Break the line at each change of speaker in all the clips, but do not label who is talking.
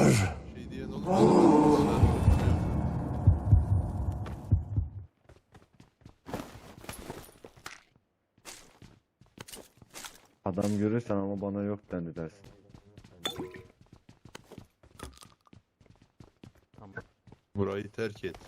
Şey diyen olunca da ben ısrar ediyorum.
Adam görürsen ama bana yok dendi dersin.
Tamam.
Burayı terk et.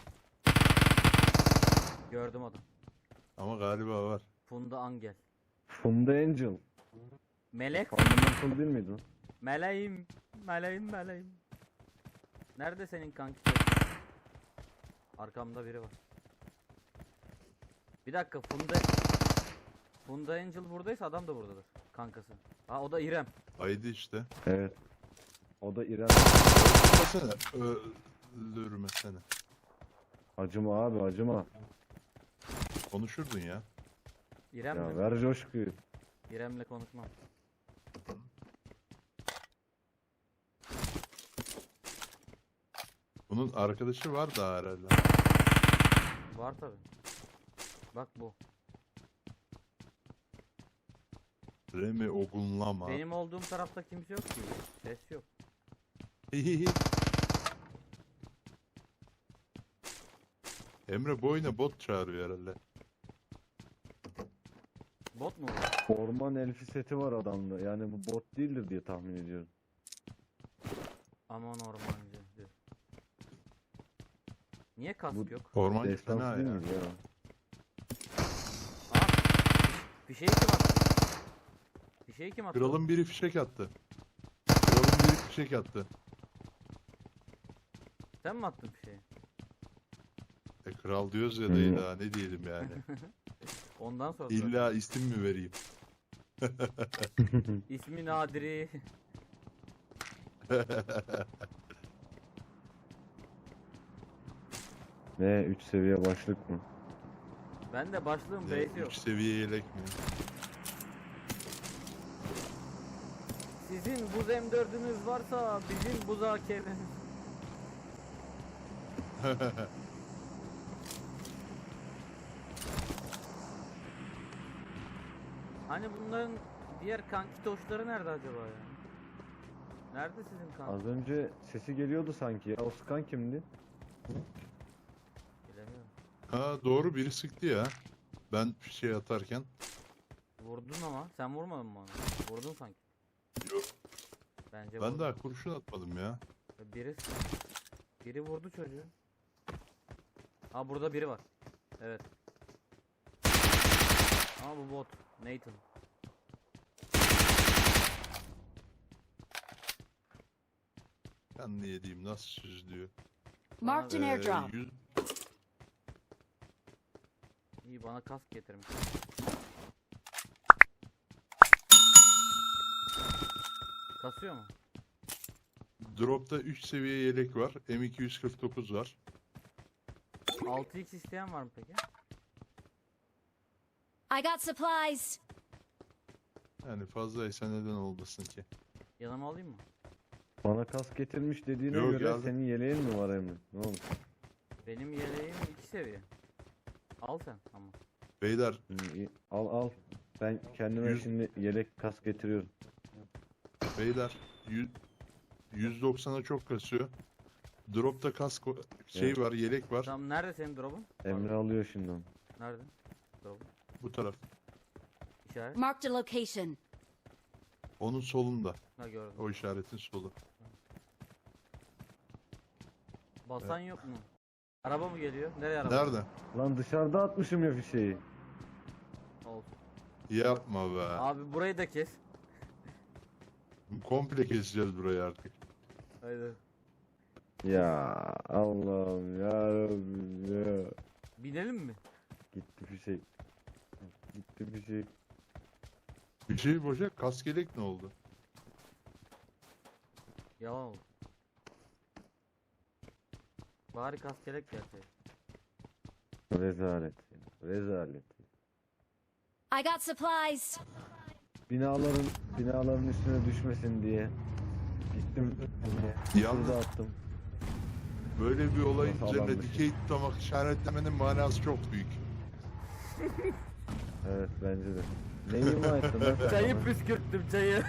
Gördüm adam.
Ama galiba var.
Funda Angel.
Funda Angel.
Melek.
Fundamental değil miydi o?
Meleğim. Meleğim meleğim. Nerede senin kanki? Arkamda biri var. Bir dakika Funda Angel buradaysa adam da buradadır. Kankası. Ha o da İrem.
Haydi işte.
Evet. O da İrem.
Öldürmesene. Öldürmesene.
Acıma abi acıma.
Konuşurdun ya.
İrem'le.
Ya ver coşkuyu.
İrem'le konuşmam.
Bunun arkadaşı var da herhalde.
Var tabi. Bak bu.
Remi ogunlama.
Benim olduğum tarafta kimse yok ki. Ses yok.
Emre bu oyuna bot çağırıyor herhalde.
Bot mu bu?
Orman elfi seti var adamda. Yani bu bot değildir diye tahmin ediyorum.
Aman ormancı diyor. Niye kask
Bu-
yok?
Ormancı
Destansı
fena
değil
ya.
miydi ya?
Aa, bir şey kim attı? Bir şey kim attı?
Kralın biri fişek attı. Kralın biri fişek attı.
Sen mi attın bir şeyi?
Kral diyoruz ya dayı daha ne diyelim yani.
Ondan sonra.
İlla isim mi vereyim?
İsmi Nadiri.
Ne 3 seviye başlık mı?
Ben de başlığım
Ne,
base yok.
3 seviye yelek mi?
Sizin buz M4'ünüz varsa bizim buz AK'miz. Hani bunların diğer kanki toşları nerede acaba ya? Nerede sizin kanki?
Az önce sesi geliyordu sanki ya. O sıkan kimdi?
Bilemiyorum.
Ha doğru biri sıktı ya. Ben şey atarken.
Vurdun ama sen vurmadın mı onu? Vurdun sanki.
Yok.
Bence
Ben
vurdun.
daha kurşun atmadım ya.
Biri vurdu çocuğu. Ha burada biri var. Evet. Ama bu bot. Nathan.
Ben ne yediğim nasıl süzülüyor.
Marked an airdrop.
100
İyi bana kask getirmiş. Kasıyor mu?
Drop'ta 3 seviye yelek var. M249 var.
6x isteyen var mı peki?
I got supplies.
Yani fazlaysa neden olmasın ki?
Yanıma alayım mı?
Bana kas getirmiş dediğine
Yok,
göre
geldim.
senin yeleğin mi var Emre? Ne oldu?
Benim yeleğim 2 seviye. Al sen ama.
Beyler
İyi, al al. Ben kendime
Yüz-
şimdi yelek kas getiriyorum.
beyler 190'a çok kasıyor. Drop'ta kask şey
Evet.
var, yelek var.
Tamam nerede senin drop'un?
Emre alıyor şimdi onu.
Nerede? Drop'un.
Bu taraf.
İşaret.
Marked a location.
Onun solunda.
Ha gördüm.
O işaretin solu.
Basan yok mu? Araba mı geliyor? Nereye araba?
Nerede?
Lan dışarıda atmışım ya fişeği.
Olsun.
Yapma be.
Abi burayı da kes.
Komple keseceğiz burayı artık.
Haydi.
Ya Allah'ım ya Rabbim ya.
Binelim mi?
Gitti fişek. Gitti fişek.
Bir şey boşa kask yelek ne oldu?
Yalan oldu. Bari kaskelek gelseydi.
Rezalet. Rezalet.
I got supplies.
Binaların üstüne düşmesin diye gittim
Yalnız
şurada attım.
böyle bir olayın
Nasıl
üzerine
adammış?
dikey tutamak işaretlemenin manası çok büyük.
Evet bence de. Ne ima ettin lan sen
Çayı
bana?
püskürttüm çayı.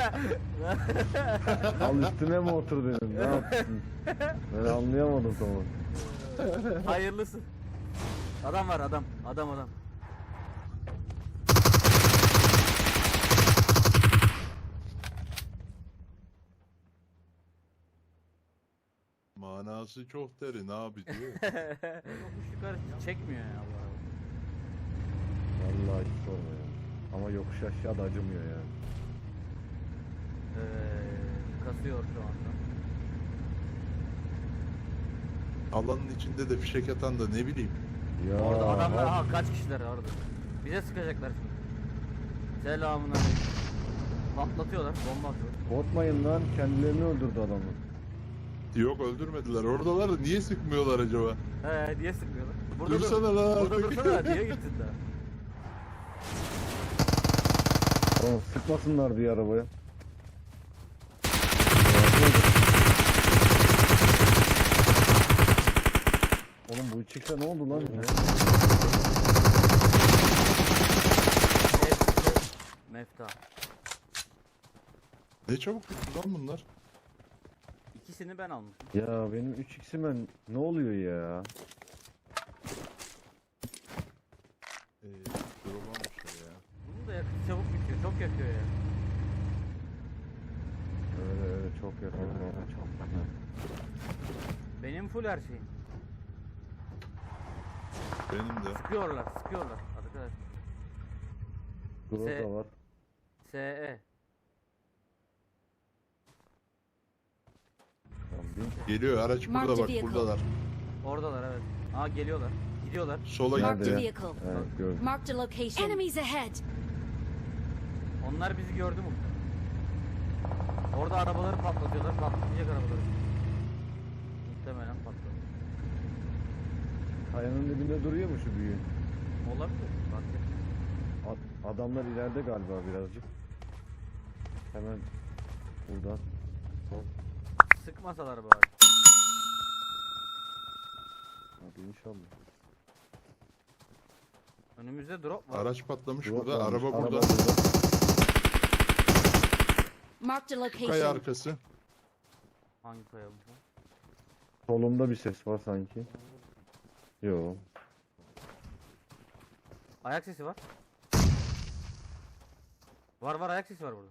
Al üstüne mi otur dedim, ne yaptın? Ben anlayamadım tamam.
Hayırlısı. Adam var adam. Adam.
Manası çok derin abi diyor.
Yokuş yukarı çekmiyor ya bu araba.
Vallahi hiç sorma ya. Ama yokuş aşağı da acımıyor yani.
Kasıyor şu anda.
Alanın içinde de fişek atan da ne bileyim.
Ya
Orada adamlar
abi,
kaç kişiler orada. Bize sıkacaklar şimdi. Selamun aleyküm. Patlatıyorlar, bomba atıyorlar.
korkmayın lan, kendilerini öldürdü adamı.
Yok öldürmediler. Oradalar da niye sıkmıyorlar acaba?
Diye sıkıyorlar. Burada
Dursana lan
Burada
artık.
dursana diye gitsin daha.
Tamam, sıkmasınlar diye arabaya. Oğlum bu 3x'e ne oldu lan?
Mefta.
Ne çabuk bitti lan bunlar.
İkisini ben almışım.
Ya benim 3x'ime ne oluyor ya?
Drop almışlar ya.
Bunun da yakıtı çabuk bitiyor. Çok yakıyor ya.
Öyle çok yakın. Çok yakın.
Benim full her şeyim.
Benim de.
Sıkıyorlar arkadaşlar.
Grota var.
SE.
Tamam, bin.
Geliyor araç
Mark
burada
the
bak
vehicle.
buradalar.
Oradalar evet. Geliyorlar. Gidiyorlar.
Sola
Marked
gitti.
a
Nerede ya?
vehicle.
Evet gördüm.
Marked a location. Enemies ahead.
Onlar bizi gördü mü? Orada arabaları patlatıyorlar. Patlayacak arabaları. Muhtemelen patladı.
Kayanın dibinde duruyor mu şu büyüğün?
Olabilir. Bak ya.
Adamlar ileride galiba birazcık. Hemen buradan.
Sıkmasalar bari.
Hadi inşallah.
Önümüzde drop var.
Araç patlamış
Drop
burada.
varmış,
Araba burada.
Marked a
Kaya
location.
arkası.
Hangi kayalım?
Solumda bir ses var sanki. Yo.
Ayak sesi var. Var ayak sesi var burada.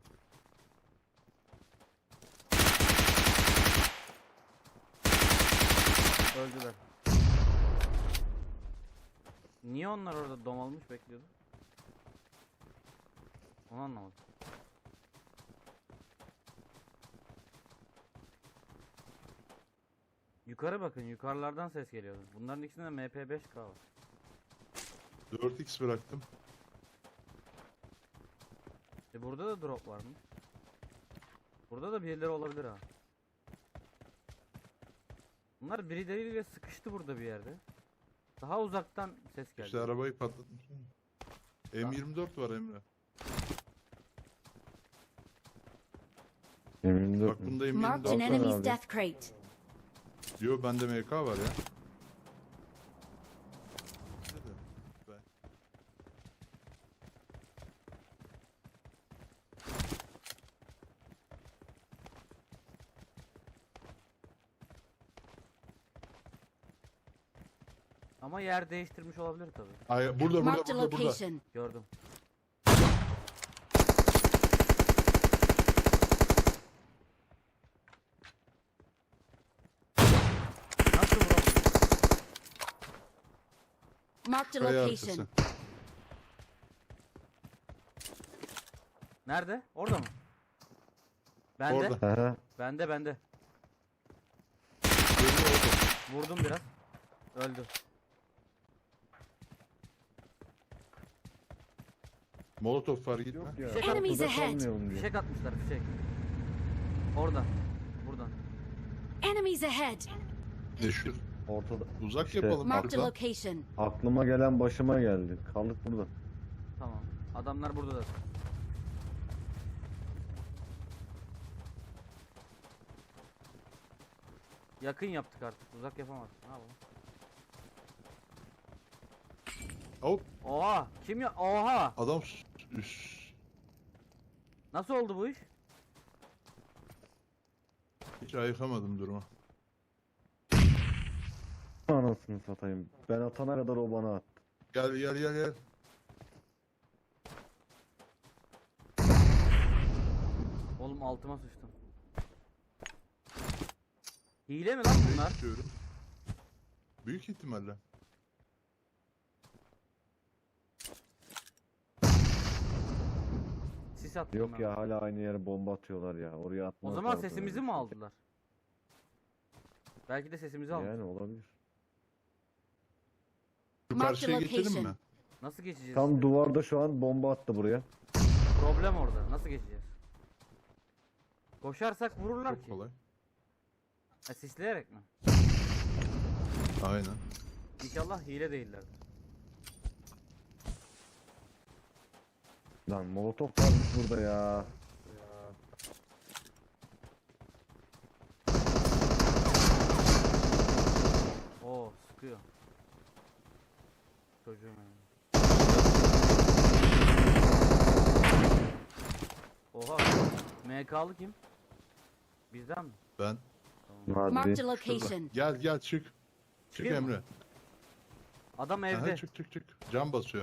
Öldüler. Niye onlar orada domalmış bekliyordu? Onu anlamadım. Yukarı bakın, yukarılardan ses geliyordu. Bunların ikisinde de MP5K var.
4x bıraktım.
Burada da drop var mı? Burada da birileri olabilir ha. Bunlar birileriyle sıkıştı burada bir yerde. Daha uzaktan ses geldi.
İşte arabayı patlatmış. M24 var Emre.
Eminim
Bak bunda
Marked an
M24 var.
enemy's
abi.
death crate.
Diyor bende MK var ya.
Ama yer değiştirmiş olabilir tabi.
Ay, burada
Marked a
burada.
location.
Gördüm. Nasıl vuramadım?
Marked a
Kaya
location.
arkası.
Nerede? Orada mı? Bende.
Orada.
Aha.
Bende.
Görüyor orada.
Vurdum biraz. Öldü.
Molotof var gitme.
Yok ya.
Fişek
Enemies
burada
ahead.
kalmayalım diye.
Fişek atmışlar fişek. Oradan. Buradan.
Enemies ahead.
Ne şu?
Ortada.
Uzak
İşte.
yapalım
Marked a
arka.
location.
Aklıma gelen başıma geldi. Kaldık burada.
Tamam. Adamlar burada da. Yakın yaptık artık. Uzak yapamazsın. Ne yapalım?
Hop
Oha! Kim ya? Oha!
adam Üst.
Nasıl oldu bu iş?
Hiç ayıkamadım durumu.
Anasını satayım. Ben atana kadar o bana attı.
Gel gel gel gel.
Oğlum altıma sıçtım. Hile mi lan bunlar?
Diyorum. Büyük ihtimalle.
Sis attım
Yok
ben.
ya, hala aynı yere bomba atıyorlar ya. Oraya
O
atmazlar.
zaman
böyle
sesimizi
bir
mi
şey.
aldılar? Belki de sesimizi aldı.
Yani olabilir.
Şu
Mark
karşıya
the
geçelim
location.
mi?
Nasıl geçeceğiz?
Tam duvarda şu an bomba attı buraya.
Problem orada. Nasıl geçeceğiz? Koşarsak vururlar
Çok
ki.
kolay.
Ha, sisleyerek mi?
Aynen.
İnşallah hile değiller.
Lan molotof varmış burada ya.
Oo sıkıyor. Çocuğum yani. Oha. MK'lı kim? Bizden mi?
Ben.
Tamam.
Marked a
Hadi.
location.
Gel gel çık. Çık
Çıkayım mı?
Emre.
Adam
Aha,
evde.
çık çık çık. Cam basıyor.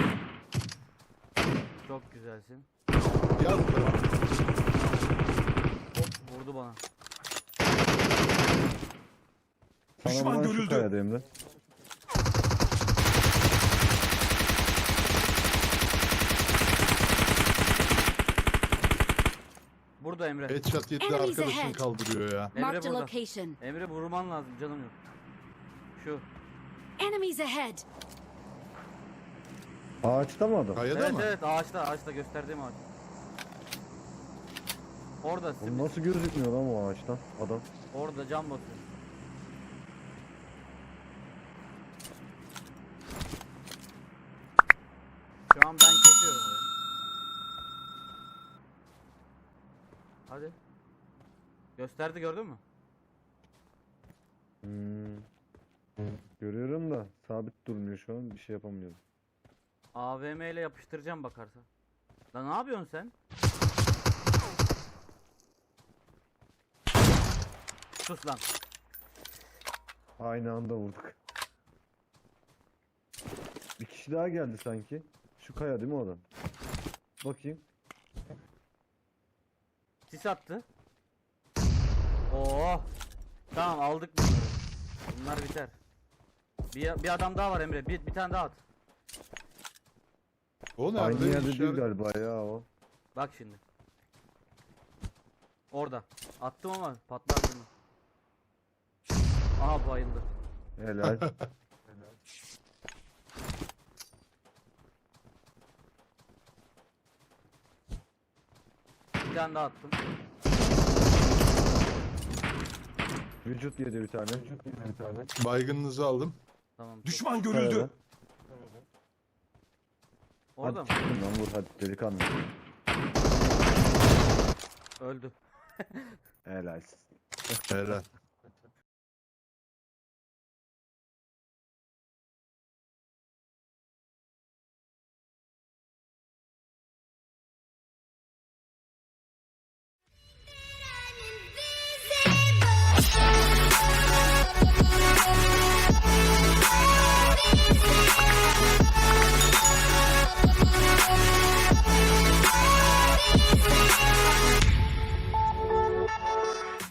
Çok güzelsin.
Gel.
Hop vurdu bana.
Sana vuran şu kayada Emre.
Burada Emre.
Headshot yedi
Enemies
arkadaşını
ahead.
kaldırıyor ya.
Emre
Marked a
burada.
location.
Emre vurman lazım canım yok. Şu.
Enemies ahead.
Ağaçta mı adam?
Kayada
Evet
mı?
evet ağaçta gösterdiğim ağaç. Orada
Oğlum
simit.
nasıl gözükmüyor lan o ağaçtan adam?
Orada cam basıyor. Şu an ben kesiyorum orayı. Hadi. Gösterdi gördün mü?
Görüyorum da sabit durmuyor şu an, bir şey yapamıyorum.
AVM ile yapıştıracağım bakarsa. Lan ne yapıyorsun sen? Sus lan.
Aynı anda vurduk. Bir kişi daha geldi sanki. Şu kaya değil mi o adam? Bakayım.
Sis attı. Oo. Tamam aldık bunları. Bunlar biter. Bir adam daha var Emre. Bir tane daha at.
O nerede?
Aynı yerde değil
İşaret-
galiba ya o.
Bak şimdi. Orada. Attım ama patlar bunu. Aha bayıldı.
Helal.
Bir tane daha attım.
Vücut yedi bir tane.
Baygınınızı aldım.
Tamam. çok-
Düşman
Kayada.
görüldü.
Orada mı?
Hadi çıkın lan, vur hadi delikanlı.
Öldü.
Helalsin.
Helal.